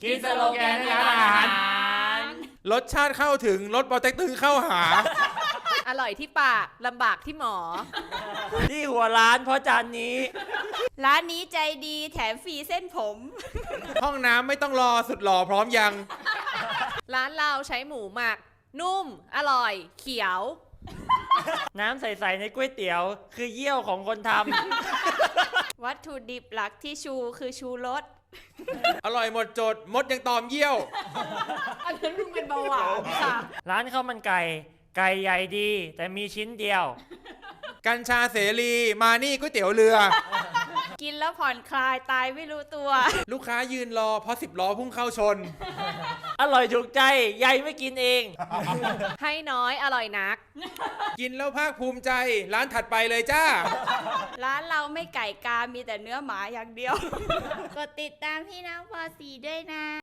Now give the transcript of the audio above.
คิดสโลแกนในร้านอาหารรสชาติเข้าถึงรสปอเต็กตึงเข้าหาอร่อยที่ปากลำบากที่หมอที่หัวร้านเพราะจานนี้ร้านนี้ใจดีแถมฟรีเส้นผมห้องน้ำไม่ต้องรอสุดหล่อพร้อมยังร้านเราใช้หมูหมัก นุ่ม อร่อย เขียวน้ำใสๆในก๋วยเตี๋ยว คือเยี่ยวของคนทวัตถุดิบหลักที่ชูคือชูรสอร่อยหมดจดมดยังตอมเยี่ยวอันนั้นมึงเป็นเบาหวานค่ะำร้านข้าวมันไก่ ไก่ใหญ่ดี แต่มีชิ้นเดียวกัญชาเสรีมานี่ก๋วยเตี๋ยวเรือกินแล้วผ่อนคลายตายไม่รู้ตัวลูกค้ายืนรอเพราะ10 ล้อพุ่งเข้าชนอร่อยถูกใจใหญ่ไม่กินเองให้น้อยอร่อยนักกินแล้วภาคภูมิใจ ร้านถัดไปเลยจ้าร้านเราไม่ไก่กา มีแต่เนื้อหมาอย่างเดียว กดติดตามพี่น้องปอสีด้วยนะ